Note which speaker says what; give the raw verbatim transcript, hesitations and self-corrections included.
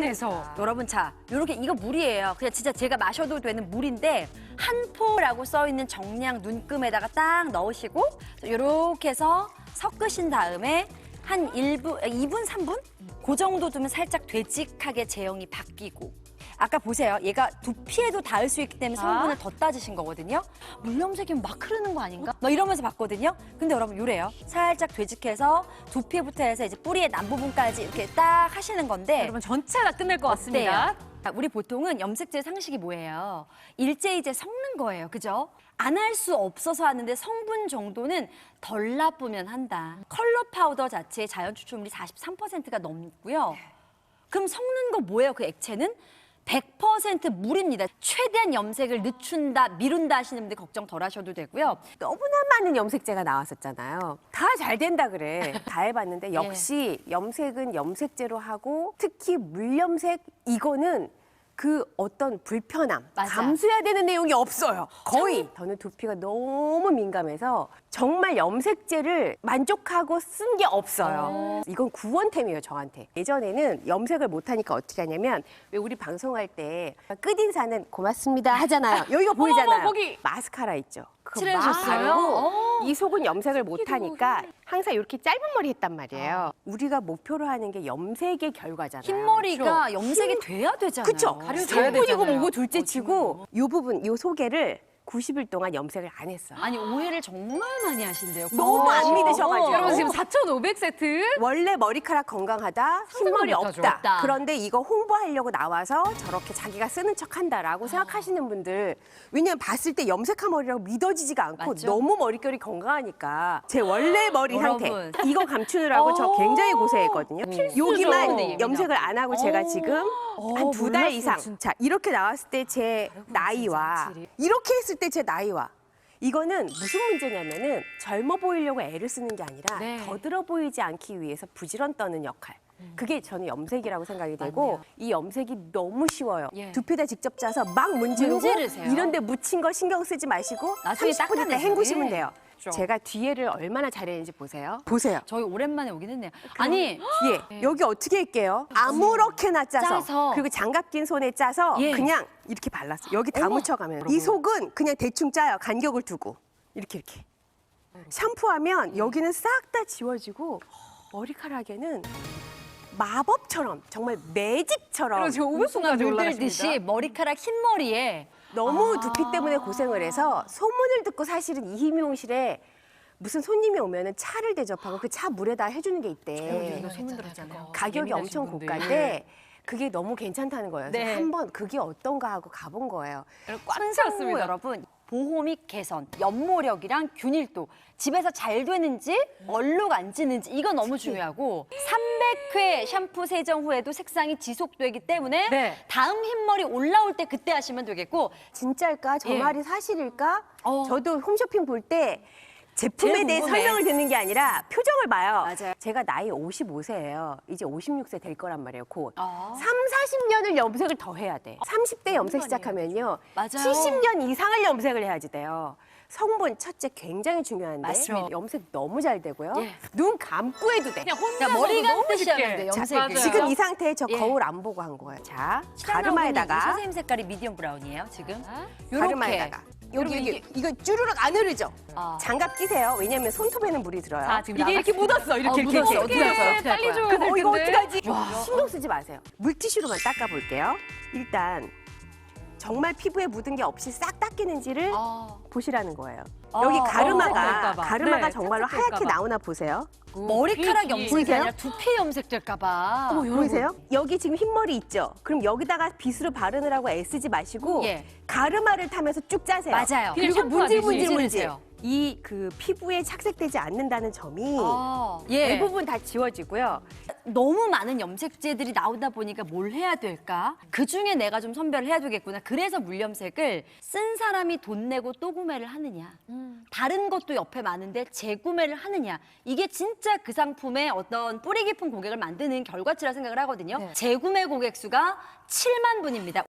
Speaker 1: 궁금해서.
Speaker 2: 여러분, 자, 요렇게 이거 물이에요. 그냥 진짜 제가 마셔도 되는 물인데 한 포라고 써 있는 정량 눈금에다가 딱 넣으시고 요렇게 해서 섞으신 다음에 한 일 분, 이 분, 삼 분? 그 정도 두면 살짝 되직하게 제형이 바뀌고. 아까 보세요. 얘가 두피에도 닿을 수 있기 때문에 성분을
Speaker 1: 아.
Speaker 2: 더 따지신 거거든요. 물염색이면 막 흐르는 거 아닌가? 막 이러면서 봤거든요. 근데 여러분 요래요. 살짝 되직해서 두피부터 해서 이제 뿌리의 남부분까지 이렇게 딱 하시는 건데
Speaker 1: 여러분 전체 다 끝낼 것 같습니다.
Speaker 2: 어때요? 우리 보통은 염색제 상식이 뭐예요? 일제이제 섞는 거예요. 그죠? 안 할 수 없어서 하는데 성분 정도는 덜 나쁘면 한다. 컬러 파우더 자체의 자연 추출물이 사십삼 퍼센트가 넘고요. 그럼 섞는 거 뭐예요? 그 액체는? 백 퍼센트 물입니다. 최대한 염색을 늦춘다, 미룬다 하시는 분들 걱정 덜 하셔도 되고요.
Speaker 3: 너무나 많은 염색제가 나왔었잖아요. 다 잘 된다 그래. 다 해봤는데 역시 염색은 염색제로 하고 특히 물염색 이거는 그 어떤 불편함,
Speaker 2: 맞아.
Speaker 3: 감수해야 되는 내용이 없어요. 거의. 저는 두피가 너무 민감해서 정말 염색제를 만족하고 쓴 게 없어요. 이건 구원템이에요, 저한테. 예전에는 염색을 못하니까 어떻게 하냐면 왜 우리 방송할 때 끝인사는 고맙습니다 하잖아요. 여기가 보이잖아요.
Speaker 1: 어머, 거기.
Speaker 3: 마스카라 있죠. 그거
Speaker 2: 칠해주셨어요?
Speaker 3: 막 바르고
Speaker 2: 어.
Speaker 3: 이 속은 염색을 못하니까 항상 이렇게 짧은 머리 했단 말이에요. 우리가 목표로 하는 게 염색의 결과잖아요.
Speaker 2: 흰머리가 염색이 돼야 되잖아요.
Speaker 3: 그쵸?
Speaker 1: 가려져야
Speaker 3: 성분이고
Speaker 1: 되잖아요.
Speaker 3: 뭐고 둘째 치고 이 부분, 이 소개를 구십 일 동안 염색을 안 했어요.
Speaker 2: 아니 오해를 정말 많이 하신대요.
Speaker 3: 너무 안
Speaker 2: 어.
Speaker 3: 믿으셔가지고.
Speaker 1: 여러분 지금 사천오백 세트.
Speaker 3: 원래 머리카락 건강하다, 흰머리
Speaker 1: 못하죠.
Speaker 3: 없다.
Speaker 2: 없다.
Speaker 3: 그런데 이거 홍보하려고 나와서 저렇게 자기가 쓰는 척한다라고 생각하시는 분들, 왜냐면 봤을 때 염색한 머리라고 믿어지지가 않고
Speaker 2: 맞죠?
Speaker 3: 너무 머릿결이 건강하니까 제 원래 머리 상태
Speaker 2: 여러분.
Speaker 3: 이거 감추느라고 저 굉장히 고생했거든요. 여기만
Speaker 2: 필수죠.
Speaker 3: 염색을 안 하고 제가 지금 한 두 달
Speaker 2: 몰랐어요,
Speaker 3: 이상 자 이렇게 나왔을 때 제 나이와
Speaker 2: 확실히.
Speaker 3: 이렇게 했을 때 제 나이와 이거는 무슨 문제냐면은 젊어 보이려고 애를 쓰는 게 아니라
Speaker 2: 네.
Speaker 3: 더 들어 보이지 않기 위해서 부지런 떠는 역할. 그게 저는 염색이라고 생각이 되고
Speaker 2: 맞네요.
Speaker 3: 이 염색이 너무 쉬워요.
Speaker 2: 예.
Speaker 3: 두피에다 직접 짜서 막 문지르고
Speaker 2: 문지르세요.
Speaker 3: 이런 데 묻힌 거 신경 쓰지 마시고
Speaker 2: 나중에
Speaker 3: 삼십 분 있다
Speaker 2: 닦아내죠.
Speaker 3: 헹구시면
Speaker 2: 예.
Speaker 3: 돼요.
Speaker 2: 그렇죠.
Speaker 3: 제가 뒤에를 얼마나 잘했는지 보세요. 보세요.
Speaker 2: 저희 오랜만에 오긴 했네요. 아니
Speaker 3: 뒤에 여기 어떻게 할게요? 아무렇게나 짜서,
Speaker 2: 짜서.
Speaker 3: 그리고 장갑 낀 손에 짜서
Speaker 2: 예.
Speaker 3: 그냥 이렇게 발랐어. 여기 다
Speaker 2: 어머.
Speaker 3: 묻혀가면 이 속은 그냥 대충 짜요. 간격을 두고 이렇게 이렇게 샴푸하면 여기는 싹 다 지워지고 머리카락에는 마법처럼 정말 매직처럼
Speaker 1: 여러분 지금 오백 분까지
Speaker 2: 물들듯이
Speaker 1: 올라가십니다.
Speaker 2: 머리카락 흰머리에
Speaker 3: 너무 두피 때문에 고생을 해서 소문을 듣고 사실은 이 미용실에 무슨 손님이 오면은 차를 대접하고 그 차 물에다 해주는 게 있대.
Speaker 2: 이거 소문 들었잖아요.
Speaker 3: 가격이
Speaker 1: 예민하신
Speaker 3: 엄청
Speaker 1: 분들.
Speaker 3: 고가인데 그게 너무 괜찮다는 거예요. 그래서
Speaker 2: 네.
Speaker 3: 한번 그게 어떤가 하고 가본 거예요.
Speaker 1: 꽉
Speaker 2: 손상무
Speaker 1: 찼습니다.
Speaker 2: 여러분 보호 및 개선, 연모력이랑 균일도 집에서 잘 되는지 얼룩 안 지는지 이거 너무 중요하고 삼백 회 샴푸 세정 후에도 색상이 지속되기 때문에
Speaker 1: 네.
Speaker 2: 다음 흰머리 올라올 때 그때 하시면 되겠고
Speaker 3: 진짜일까? 저
Speaker 2: 예.
Speaker 3: 말이 사실일까?
Speaker 2: 어.
Speaker 3: 저도 홈쇼핑 볼 때 제품에
Speaker 2: 제일
Speaker 3: 대해
Speaker 2: 궁금해.
Speaker 3: 설명을 듣는 게 아니라 표정을 봐요.
Speaker 2: 맞아요.
Speaker 3: 제가 나이 오십오 세예요. 이제 오십육 세 될 거란 말이에요, 곧.
Speaker 2: 아.
Speaker 3: 삼, 사십 년을 염색을 더 해야 돼. 삼십 대 염색 시작하면요.
Speaker 2: 맞아요.
Speaker 3: 칠십 년 이상을 염색을 해야지 돼요. 성분 첫째 굉장히 중요한데
Speaker 2: 맞죠.
Speaker 3: 염색 너무 잘 되고요.
Speaker 2: 예.
Speaker 3: 눈 감고 해도 돼.
Speaker 1: 그냥 혼자
Speaker 2: 그러니까 머리
Speaker 1: 너무
Speaker 2: 감듯이
Speaker 1: 쉽게.
Speaker 2: 하면 돼,
Speaker 1: 자,
Speaker 2: 염색을.
Speaker 1: 맞아요.
Speaker 3: 지금 이 상태에 저
Speaker 2: 예.
Speaker 3: 거울 안 보고 한 거예요. 자,
Speaker 2: 가르마에다가
Speaker 3: 가르마에다가
Speaker 2: 선생님 색깔이 미디엄 브라운이에요 지금. 요렇게.
Speaker 3: 가르마에다가 여기 여기 이거 쭈르륵 안 흐르죠?
Speaker 2: 아.
Speaker 3: 장갑 끼세요. 왜냐면 손톱에는 물이 들어요.
Speaker 1: 자, 지금
Speaker 3: 이게 이렇게
Speaker 1: 나갔습니다.
Speaker 3: 묻었어. 이렇게
Speaker 2: 어,
Speaker 3: 이렇게
Speaker 2: 묻었어.
Speaker 3: 이렇게.
Speaker 2: 어떻게 할 거야? 어떻게 할
Speaker 1: 빨리
Speaker 2: 거야?
Speaker 1: 줘야
Speaker 3: 그럼
Speaker 1: 될
Speaker 3: 어, 이거
Speaker 1: 텐데.
Speaker 3: 어떡하지? 신경 쓰지 마세요. 물티슈로만 닦아볼게요. 일단 정말 피부에 묻은 게 없이 싹 닦이는지를
Speaker 2: 아.
Speaker 3: 보시라는 거예요.
Speaker 2: 아,
Speaker 3: 여기
Speaker 2: 어,
Speaker 3: 가르마가
Speaker 1: 착색될까 봐.
Speaker 3: 가르마가
Speaker 1: 네,
Speaker 3: 정말로
Speaker 1: 착색될까
Speaker 3: 하얗게
Speaker 1: 봐.
Speaker 3: 나오나 보세요.
Speaker 2: 머리카락
Speaker 1: 빈
Speaker 2: 염색이
Speaker 3: 보이세요?
Speaker 2: 아니라 두피 염색될까봐.
Speaker 3: 보이세요? 여기 지금 흰머리 있죠? 그럼 여기다가 빗으로 바르느라고 애쓰지 마시고
Speaker 2: 예.
Speaker 3: 가르마를 타면서 쭉 짜세요.
Speaker 2: 맞아요.
Speaker 3: 그리고
Speaker 1: 그냥
Speaker 3: 문질
Speaker 1: 샴푸하듯이
Speaker 3: 문질 문질.
Speaker 2: 문지르세요.
Speaker 3: 이 그 피부에 착색되지 않는다는 점이
Speaker 2: 아, 예.
Speaker 3: 대부분 다 지워지고요.
Speaker 2: 너무 많은 염색제들이 나오다 보니까 뭘 해야 될까? 그 중에 내가 좀 선별을 해야 되겠구나. 그래서 물염색을 쓴 사람이 돈 내고 또 구매를 하느냐. 다른 것도 옆에 많은데 재구매를 하느냐. 이게 진짜 그 상품의 어떤 뿌리 깊은 고객을 만드는 결과치라 생각을 하거든요. 재구매 고객 수가 칠만 분입니다.